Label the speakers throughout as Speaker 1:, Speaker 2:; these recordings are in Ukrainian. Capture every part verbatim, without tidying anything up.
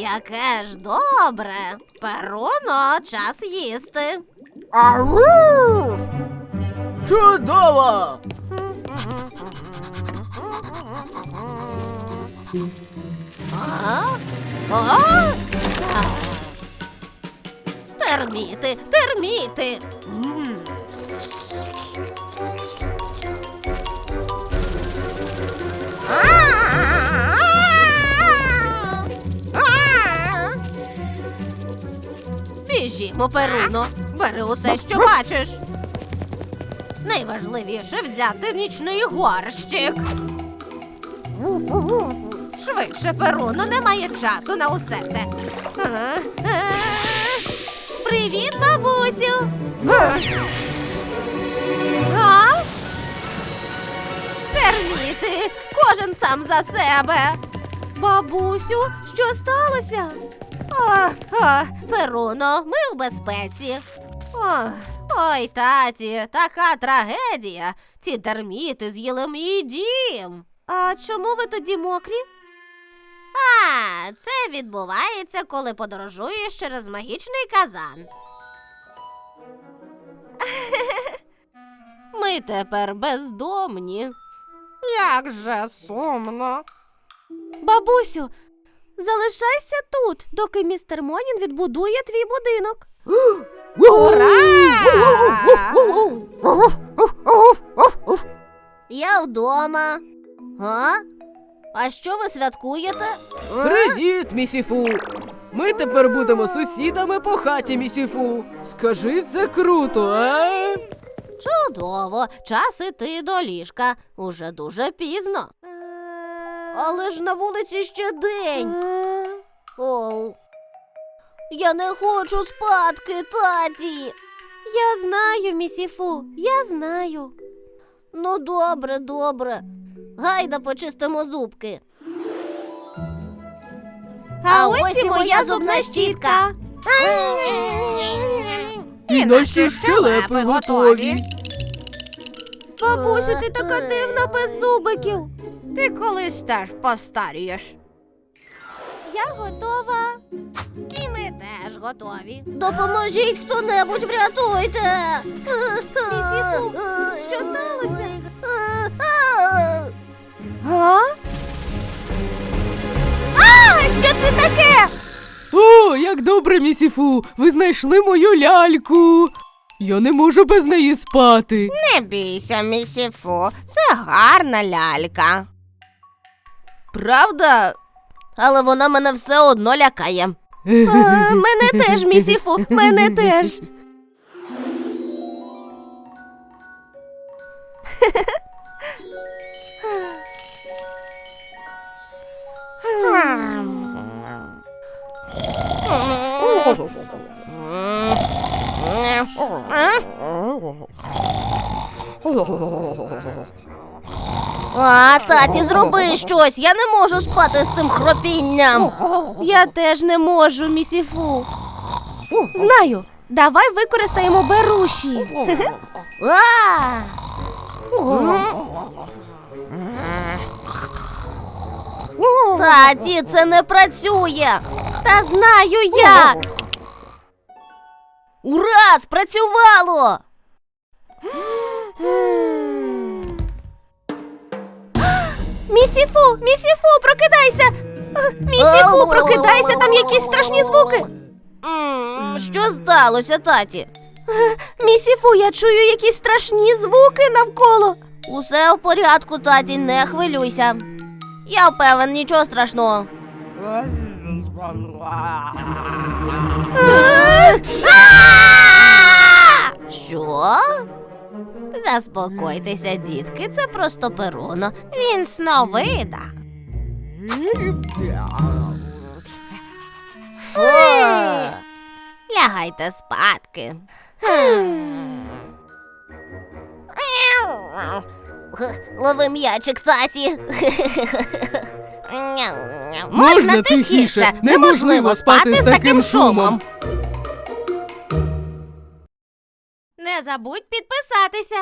Speaker 1: Яке ж добре. Перуно, час їсти.
Speaker 2: Ау! Чудово!
Speaker 1: А? А? А. Терміти, терміти. М. Біжімо, Перуно. Бери усе, що бачиш. Найважливіше взяти нічний горщик. Швидше, Перуно, немає часу на усе це. Ага. Е. Привіт, бабусю. А? Терміти, кожен сам за себе. Бабусю, що сталося? О, о, Перуно, ми в безпеці. О, ой, таті, така трагедія. Ці терміти з'їли мій дім. А чому ви тоді мокрі? А, це відбувається, коли подорожуєш через магічний казан. Ми тепер бездомні. Як же сумно. Бабусю, залишайся тут, доки містер Монін відбудує твій будинок. Ура! Я вдома. А? А що ви святкуєте?
Speaker 2: Привіт, місіфу! Ми тепер будемо сусідами по хаті, місіфу. Скажи, це круто, а?
Speaker 1: Чудово, час іти до ліжка. Уже дуже пізно. Але ж на вулиці ще день. Оу. Я не хочу спадки, таті. Я знаю, місіфу, я знаю. Ну, добре, добре. Гайда почистимо зубки. А ось і моя зубна щітка.
Speaker 2: І наші щелепи готові.
Speaker 1: Бабусю, ти така дивна без зубиків.
Speaker 3: Ти колись теж постарієш.
Speaker 1: Я готова. І ми теж готові. Допоможіть хто-небудь, врятуйте. Місіфу, що сталося? А? А, що це таке?
Speaker 2: О, як добре, місіфу! Ви знайшли мою ляльку. Я не можу без неї спати.
Speaker 1: Не бійся, місіфу, це гарна лялька. Правда? Але вона мене все одно лякає. А, мене теж, місіфу, мене теж. А, таті, зроби щось, я не можу спати з цим хропінням. Я теж не можу, місіфу. Знаю, давай використаємо беруші. А! Таті, це не працює. Та знаю як. Ура, спрацювало! Місіфу, місіфу, прокидайся! Місіфу, прокидайся, там якісь страшні звуки. Що сталося, таті? Місіфу, я чую якісь страшні звуки навколо. Усе в порядку, таті, не хвилюйся. Я впевнен, нічого страшного. Що? Заспокойтеся, дітки, це просто Перуно. Він сновида. Фу! Лягайте спадки. Лови м'ячик, таті. Можна тихіше, неможливо спати з таким шумом. Не забудь підписатися.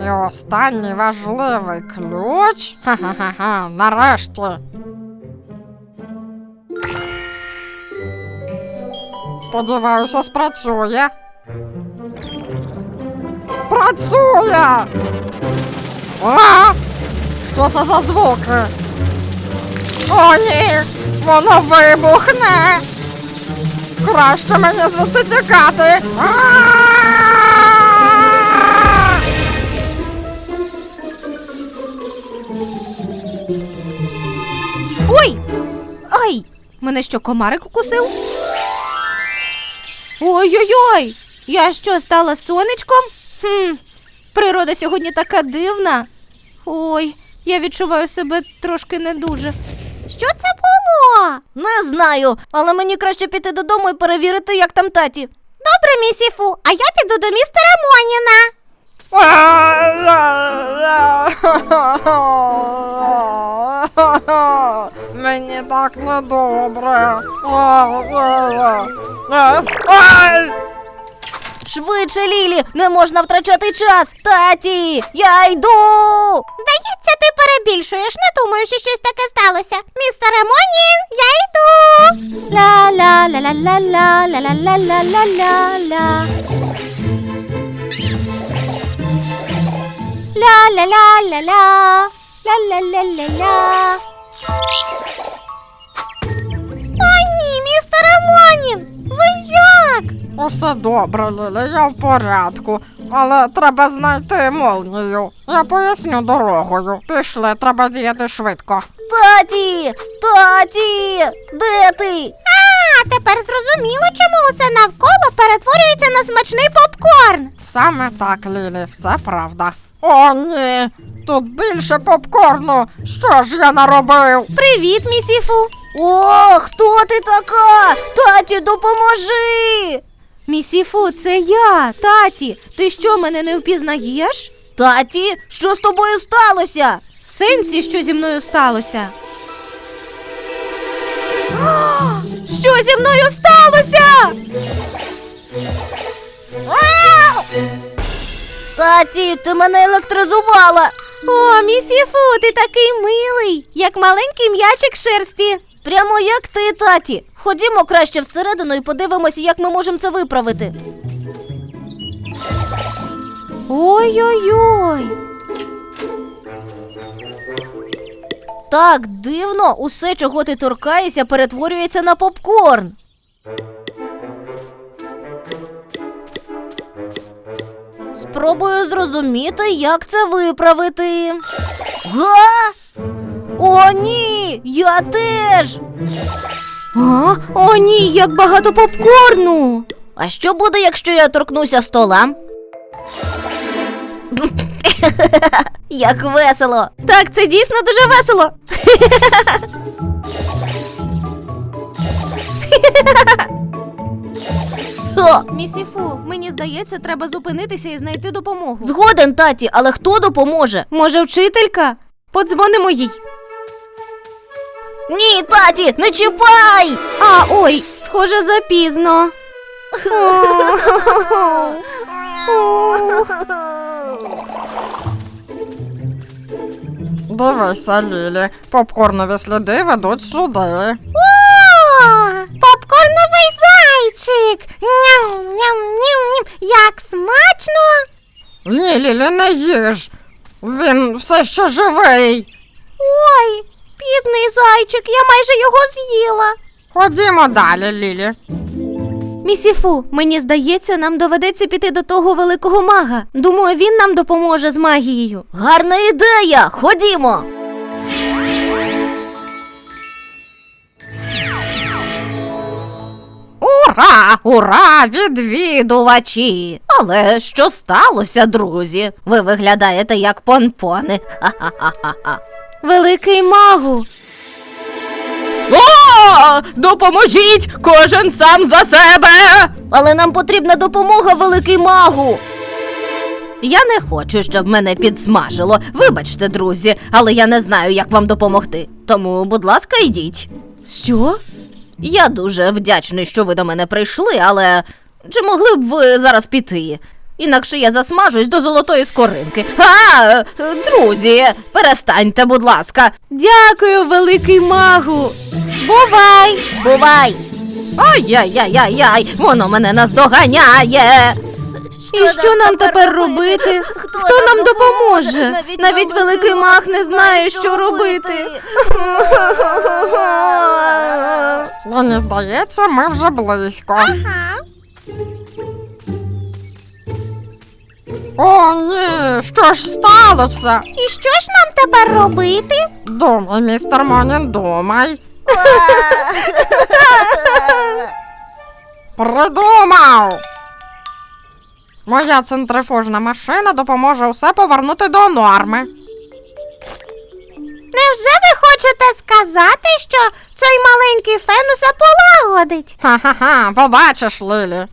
Speaker 4: І останній важливий ключ. Ха-ха-ха, нарешті. Сподіваюся, спрацює. Працює! А? Що це за звуки? О, ні! Воно вибухне! Краще мені звідси тікати! А-а-а!
Speaker 1: Ой! Ай! Мене що, комарик укусив? Ой-ой-ой! Я що, стала сонечком? Хм, природа сьогодні така дивна. Ой, я відчуваю себе трошки не дуже. Що це було? Не знаю, але мені краще піти додому і перевірити, як там таті. Добре, місіфу, а я піду до містера Моніна.
Speaker 4: Мені так недобре.
Speaker 1: Швидше, Лілі, не можна втрачати час. Таті, я йду. Здається, ти перебільшуєш. Не думаю, що щось таке сталося. Містере Монін, я йду. Ла-ла-ла-ла-ла-ла-ла-ла-ла-ла-ла. Ла-ла-ла-ла-ла. Ла-ла-ла-ла-ла. О, ні, містере Монін, ви як?
Speaker 4: Усе добре, Лілі, я в порядку. Але треба знайти молнію. Я поясню дорогою. Пішли, треба діяти швидко.
Speaker 1: Таті! Таті! Де ти? А, тепер зрозуміло, чому усе навколо перетворюється на смачний попкорн.
Speaker 4: Саме так, Лілі, все правда. О, ні! Тут більше попкорну! Що ж я наробив?
Speaker 1: Привіт, місіфу. О, хто ти така? Таті, допоможи! Місіфу, це я, таті. Ти що, мене не впізнаєш? Таті, що з тобою сталося? В сенсі, що зі мною сталося? Що зі мною сталося? Таті, ти мене електризувала. О, місіфу, ти такий милий, як маленький м'ячик шерсті. Прямо як ти, таті. Ходімо краще всередину і подивимося, як ми можемо це виправити. Ой-ой-ой. Так дивно, усе, чого ти торкаєшся, перетворюється на попкорн. Спробую зрозуміти, як це виправити. Га? О, ні! Я теж! А? О, ні, як багато попкорну! А що буде, якщо я торкнуся стола? Як весело! Так, це дійсно дуже весело! Місіфу, мені здається, треба зупинитися і знайти допомогу. Згоден, таті, але хто допоможе? Може, вчителька? Подзвонимо їй. Ні, таті, не чіпай! А, ой, схоже, запізно.
Speaker 4: Дивися, Лілі, попкорнові сліди ведуть сюди.
Speaker 1: О, попкорновий зайчик! Ням-ням-ням-ням, як смачно!
Speaker 4: Ні, Лілі, не їж. Він все ще живий.
Speaker 1: Ой, бідний зайчик, я майже його з'їла.
Speaker 4: Ходімо далі, Лілі.
Speaker 1: Місіфу, мені здається, нам доведеться піти до того великого мага. Думаю, він нам допоможе з магією. Гарна ідея! Ходімо!
Speaker 3: Ура! Ура! Відвідувачі! Але що сталося, друзі? Ви виглядаєте як понпони. Ха-ха-ха-ха.
Speaker 1: Великий магу!
Speaker 2: О! Допоможіть! Кожен сам за себе!
Speaker 1: Але нам потрібна допомога, великий магу!
Speaker 3: Я не хочу, щоб мене підсмажило. Вибачте, друзі, але я не знаю, як вам допомогти. Тому, будь ласка, йдіть.
Speaker 1: Що?
Speaker 3: Я дуже вдячний, що ви до мене прийшли, але чи могли б ви зараз піти? інакше я засмажусь до золотої скоринки. А, друзі, перестаньте, будь ласка.
Speaker 1: Дякую, великий магу. Бувай!
Speaker 3: Бувай! Ай-яй-яй-яй-яй, воно мене наздоганяє.
Speaker 1: І що нам тепер робити? Хто нам допоможе? Навіть великий маг не знає, що робити.
Speaker 4: Мені здається, ми вже близько. О, ні, що ж сталося?
Speaker 1: І що ж нам тепер робити?
Speaker 4: Думай, містер Монін, думай. Придумав! Моя центрифужна машина допоможе усе повернути до норми.
Speaker 1: Невже ви хочете сказати, що цей маленький фен усе полагодить?
Speaker 4: Ха-ха-ха, побачиш, Лілі.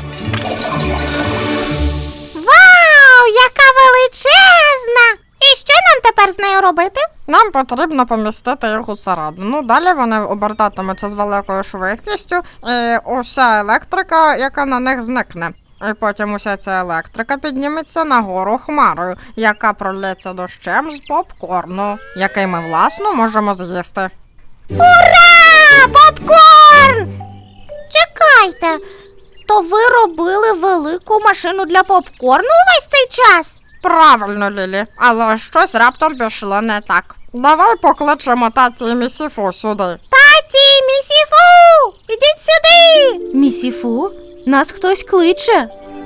Speaker 1: Вау, яка величезна! І що нам тепер з нею робити?
Speaker 4: Нам потрібно помістити їх усередину. Далі вони обертатимуться з великою швидкістю, і уся електрика, яка на них зникне. І потім уся ця електрика підніметься нагору хмарою, яка пролється дощем з попкорну, який ми, власно, можемо з'їсти.
Speaker 1: Ура! Попкорн! Чекайте, то ви робили велику машину для попкорну увесь цей час?
Speaker 4: Правильно, Лілі, але щось раптом пішло не так. Давай покличемо таті і місіфу сюди.
Speaker 1: Таті, місіфу! Ідіть сюди! Місіфу? Нас хтось кличе.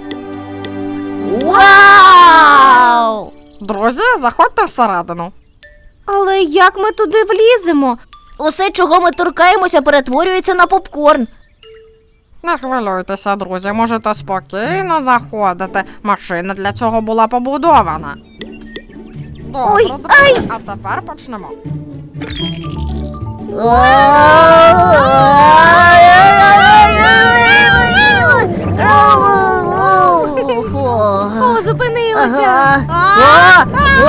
Speaker 3: Вау!
Speaker 4: Друзі, заходьте всередину.
Speaker 1: Але як ми туди вліземо?
Speaker 3: Усе, чого ми торкаємося, перетворюється на попкорн.
Speaker 4: Не хвилюйтеся, друзі, можете спокійно заходити. Машина для цього була побудована. Добре,
Speaker 3: Ой,
Speaker 4: друзі, а тепер почнемо.
Speaker 1: О, зупинилося.
Speaker 3: Ага.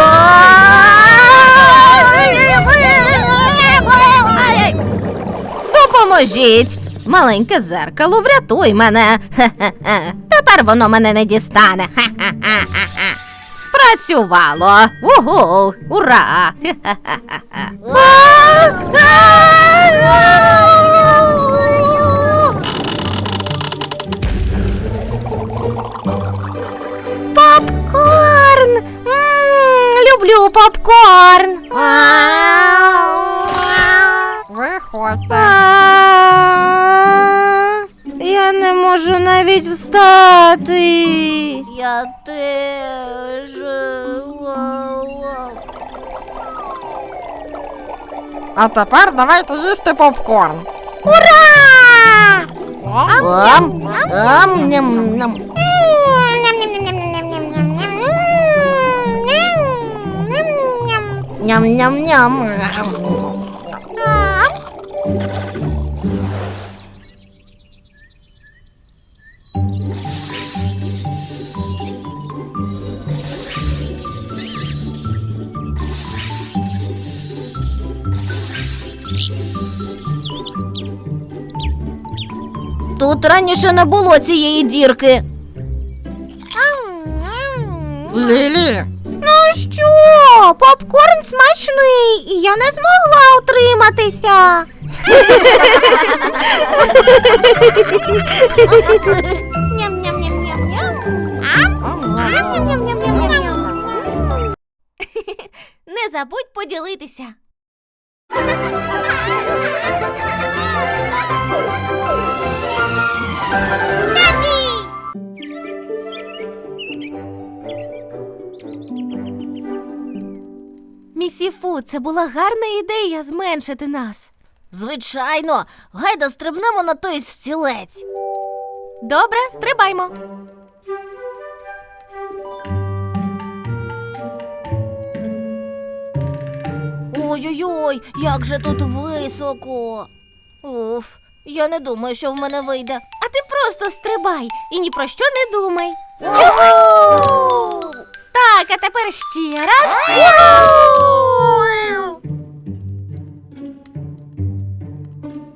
Speaker 3: Допоможіть! Маленьке дзеркало, врятуй мене. Хе-хе-хе. Тепер воно мене не дістане. Ха-ха-ха-ха. Спрацювало. Угу! Ура! Хе-хе-хе-хе.
Speaker 1: Попкорн! М, люблю попкорн.
Speaker 4: Виходьте.
Speaker 1: А, Я не можу навіть встати.
Speaker 3: Я теж.
Speaker 4: А тепер давайте їсти попкорн.
Speaker 1: Ура!
Speaker 3: Ам, ам, ням, ням. Ням-ням-ням. Тут раніше не було цієї дірки.
Speaker 4: Лілі,
Speaker 1: Ну що, попкорн смачний, і я не змогла утриматися. Ням-ням-ням-ням-ням. Ням-ням-ням-ням-ням. Не забудь поділитися. Місіфу, це була гарна ідея зменшити нас.
Speaker 3: Звичайно, гайда стрибнемо на той стілець.
Speaker 1: Добре, стрибаймо.
Speaker 3: Ой-ой-ой, як же тут високо. Уф, я не думаю, що в мене вийде.
Speaker 1: А ти просто стрибай і ні про що не думай.
Speaker 3: Уху!
Speaker 1: Так, а тепер ще раз.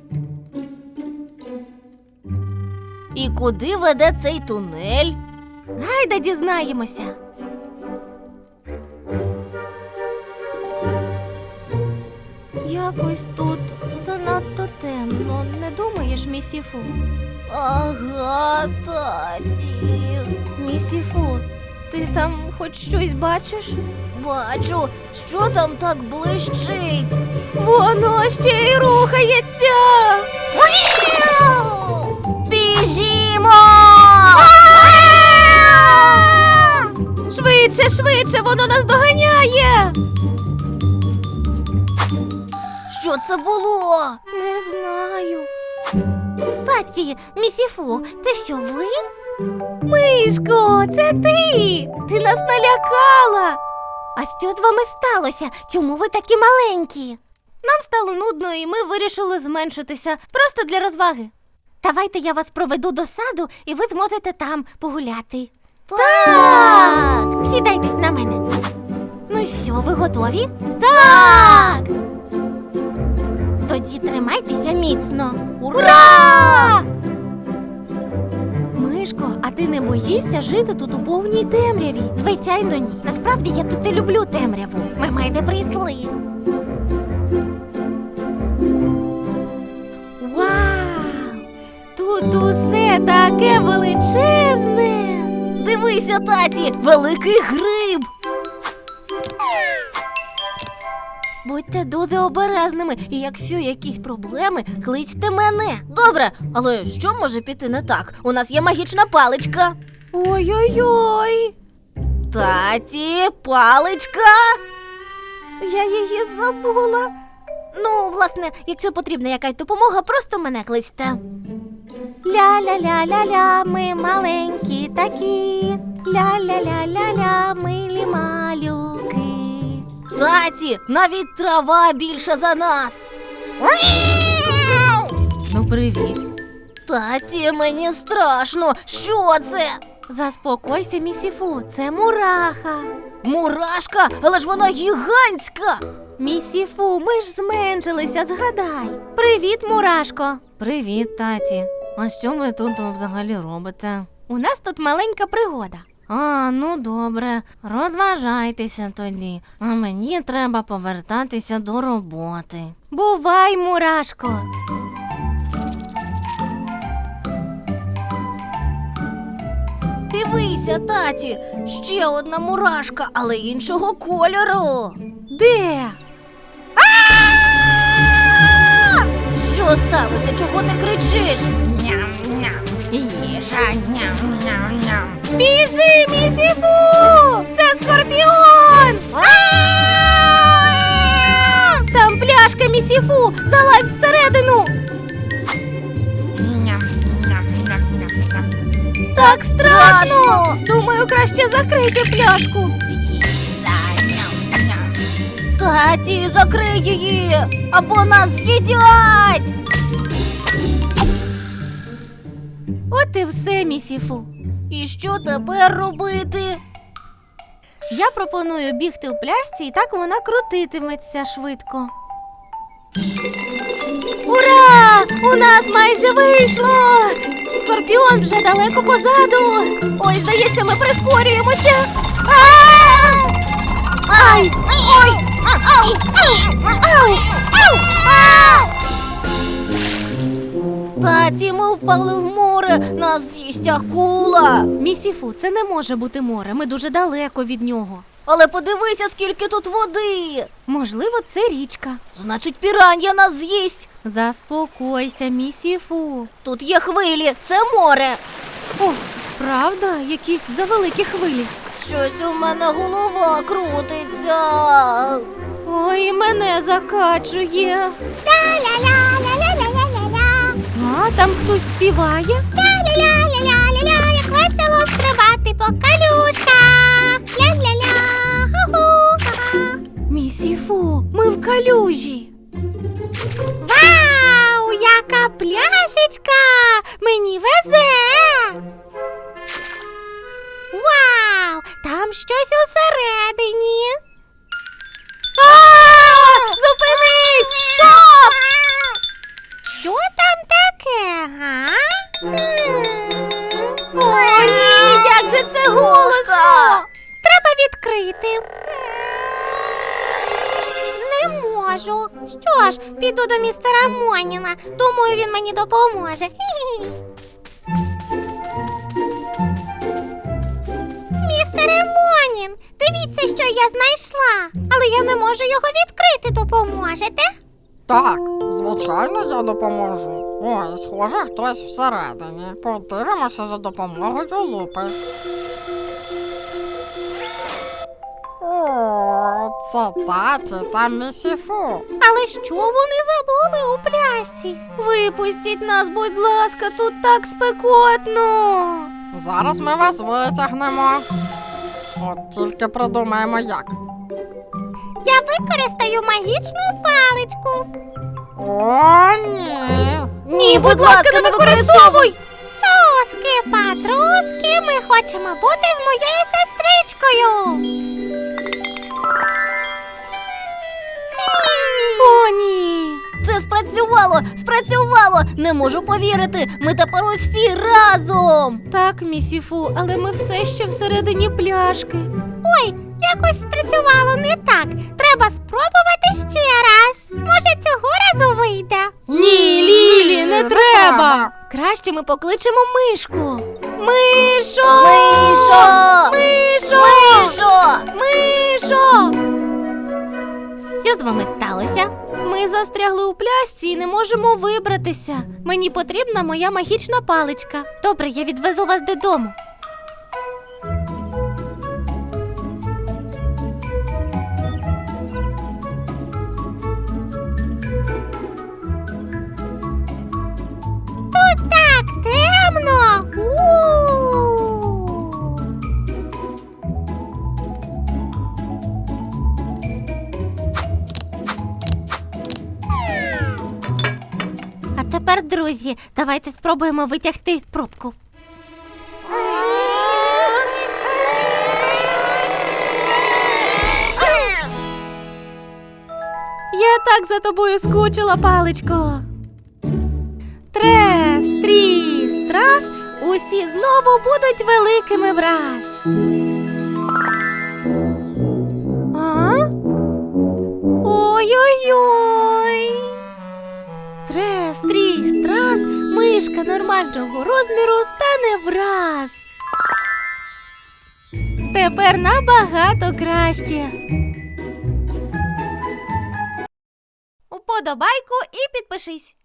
Speaker 3: І куди веде цей тунель?
Speaker 1: Гайда дізнаємося. Якось тут занадто темно, не думаєш, місіфу? Ага, таті. Місіфу, ти там хоч щось бачиш? Бачу, що там так блищить. Воно ще й рухається. Біжімо! Швидше, швидше, воно нас доганяє. Що це було? Не знаю. Таті, місіфу, це що, ви? Мишко, це ти! Ти нас налякала! А що з вами сталося? Чому ви такі маленькі? Нам стало нудно, і ми вирішили зменшитися. Просто для розваги. Давайте я вас проведу до саду, і ви зможете там погуляти. Так! Сідайтесь на мене. Ну що, ви готові? Так! Тоді тримайтеся міцно. Ура! Мишко, а ти не боїшся жити тут у повній темряві? Звичайно, ні. Насправді я тут і люблю темряву. Ми майже прийшли. Вау! Тут усе таке величезне. Дивися, таті, великий гриб. Будьте дуже обережними, і якщо якісь проблеми, кличте мене. Добре, але що може піти не так? У нас є магічна паличка. Ой-ой-ой. Таті, паличка. Я її забула. Ну, власне, якщо потрібна якась допомога, просто мене кличте. Ля-ля-ля-ля-ля, ми маленькі такі. Ля-ля-ля-ля-ля, милі малюки. Таті, навіть трава більша за нас. Ну, привіт. Таті, мені страшно. Що це? Заспокойся, місіфу, це мураха. Мурашка? Але ж вона гігантська. Місіфу, ми ж зменшилися, згадай. Привіт, мурашко. Привіт, таті. А що ви тут взагалі робите? У нас тут маленька пригода. А, ну добре, розважайтеся тоді, а мені треба повертатися до роботи. Бувай, мурашко. Дивися, таті, ще одна мурашка, але іншого кольору. Де? Що сталося? Чого ти кричиш?
Speaker 4: Їжа, ням-ням-ням.
Speaker 1: Біжи, місіфу! Це скорпіон! Там пляшка, місіфу! Залазь всередину! Так страшно! Думаю, краще закрийте пляшку. Таті, закрий її! Або нас з'їдять! От і все, місіфу. І що тепер робити? Я пропоную бігти в пляшці, і так вона крутитиметься швидко. Ура! У нас майже вийшло! Скорпіон вже далеко позаду. Ой, здається, ми прискорюємося. А! Ай! Ой! Ау! Ау! Ау! А! Таті, ми впали в море, нас з'їсть акула. Місіфу, це не може бути море, ми дуже далеко від нього. Але подивися, скільки тут води. Можливо, це річка. Значить, піран'я нас з'їсть. Заспокойся, місіфу. Тут є хвилі, це море. О, правда? Якісь завеликі хвилі. Щось у мене голова крутиться. Ой, мене закачує. Ля-ля-ля-ля-ля-ля-ля-ля. А, там хтось співає. Ля-ля-ля-ля-ля-ля-ля, як весело стрибати по калюшках. Ля-ля-ля, ху-ху-ха. Місіфу, ми в калюжі. Вау, яка пляшечка! Мені везе! Вау, там щось усередині. А! Зупинись! Стоп! Що там таке, га? О, ні, як же це піду до містера Моніна. Думаю, він мені допоможе. Хі-хі. Містере Монін, дивіться, що я знайшла. Але я не можу його відкрити. Допоможете?
Speaker 4: Так, звичайно, я допоможу. Ой, схоже, хтось всередині. Подивимося за допомогою лупи. О, це таті та місіфу.
Speaker 1: Але що вони забули у плясці? Випустіть нас, будь ласка, тут так спекотно.
Speaker 4: Зараз ми вас витягнемо. От тільки придумаємо як.
Speaker 1: Я використаю магічну паличку.
Speaker 4: О, ні.
Speaker 1: Ні, будь ласка, не використовуй! Труски, патруски, ми хочемо бути з моєю сестричкою.
Speaker 3: О, ні! Це спрацювало! Спрацювало! Не можу повірити! Ми тепер усі разом!
Speaker 1: Так, місіфу, але ми все ще всередині пляшки. Ой, якось спрацювало не так. Треба спробувати ще раз. Може, цього разу вийде.
Speaker 3: Ні, Лілі, не треба!
Speaker 1: Краще ми покличемо мишку. Мишо!
Speaker 3: Мишо!
Speaker 1: Мишо!
Speaker 3: Мишо!
Speaker 1: Мишо! Що з вами сталося? Ми застрягли у плясці і не можемо вибратися. Мені потрібна моя магічна паличка. Добре, я відвезу вас додому. Тут так темно. У-у-у. А тепер, друзі, давайте спробуємо витягти пробку. Я так за тобою скучила, паличко. Трес, тріс, трас, усі знову будуть великими враз. А? Ой-ой-ой. Трес, тріс, трас, мишка нормального розміру стане враз. Тепер набагато краще. Уподобайку і підпишись.